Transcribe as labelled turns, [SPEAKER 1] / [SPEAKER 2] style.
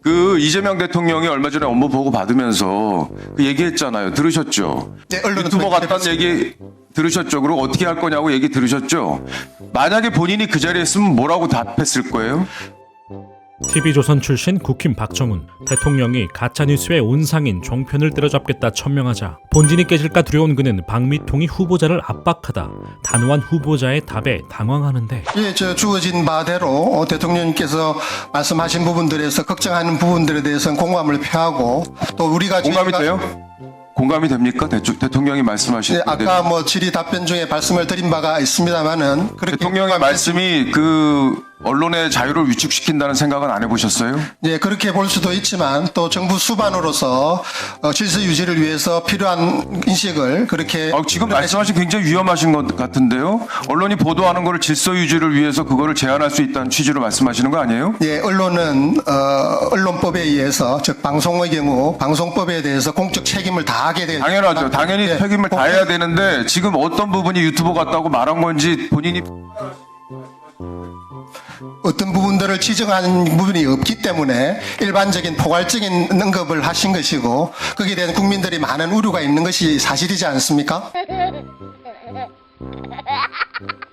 [SPEAKER 1] 그 이재명 대통령이 얼마 전에 업무 보고 받으면서 그 얘기했잖아요. 들으셨죠?
[SPEAKER 2] 네, 언론은
[SPEAKER 1] 유튜버
[SPEAKER 2] 통해
[SPEAKER 1] 같다는 얘기 들으셨죠? 그리고 어떻게 할 거냐고 얘기 들으셨죠? 만약에 본인이 그 자리에 있으면 뭐라고 답했을 거예요?
[SPEAKER 3] TV조선 출신 국힘 박정훈 대통령이 가짜뉴스의 온상인 종편을 때려잡겠다 천명하자 본진이 깨질까 두려운 그는 박미통이 후보자를 압박하다 단호한 후보자의 답에 당황하는데
[SPEAKER 2] 예, 저 주어진 바대로 대통령님께서 말씀하신 부분들에서 걱정하는 부분들에 대해서는 공감을 표하고 또 우리가
[SPEAKER 1] 공감이
[SPEAKER 2] 저희가-
[SPEAKER 1] 돼요? 공감이 됩니까? 대통령이 말씀하신
[SPEAKER 2] 네,
[SPEAKER 1] 부분에
[SPEAKER 2] 아까 뭐 질의 답변 중에 말씀을 드린 바가 있습니다만은 그렇게
[SPEAKER 1] 대통령의 말씀이 그 언론의 자유를 위축시킨다는 생각은 안 해보셨어요?
[SPEAKER 2] 예, 그렇게 볼 수도 있지만 또 정부 수반으로서 질서 유지를 위해서 필요한 인식을 그렇게
[SPEAKER 1] 지금 말씀하신 굉장히 위험하신 것 같은데요. 언론이 보도하는 거를 질서 유지를 위해서 그거를 제한할 수 있다는 취지로 말씀하시는 거 아니에요?
[SPEAKER 2] 예, 언론은 언론법에 의해서 즉 방송의 경우 방송법에 대해서 공적 책임을 다하게 되는
[SPEAKER 1] 당연하죠. 당연히
[SPEAKER 2] 예,
[SPEAKER 1] 책임을 다해야 되는데 지금 어떤 부분이 유튜버 같다고 말한 건지 본인이
[SPEAKER 2] 어떤 부분들을 지적하는 부분이 없기 때문에 일반적인 포괄적인 언급을 하신 것이고 거기에 대한 국민들이 많은 우려가 있는 것이 사실이지 않습니까?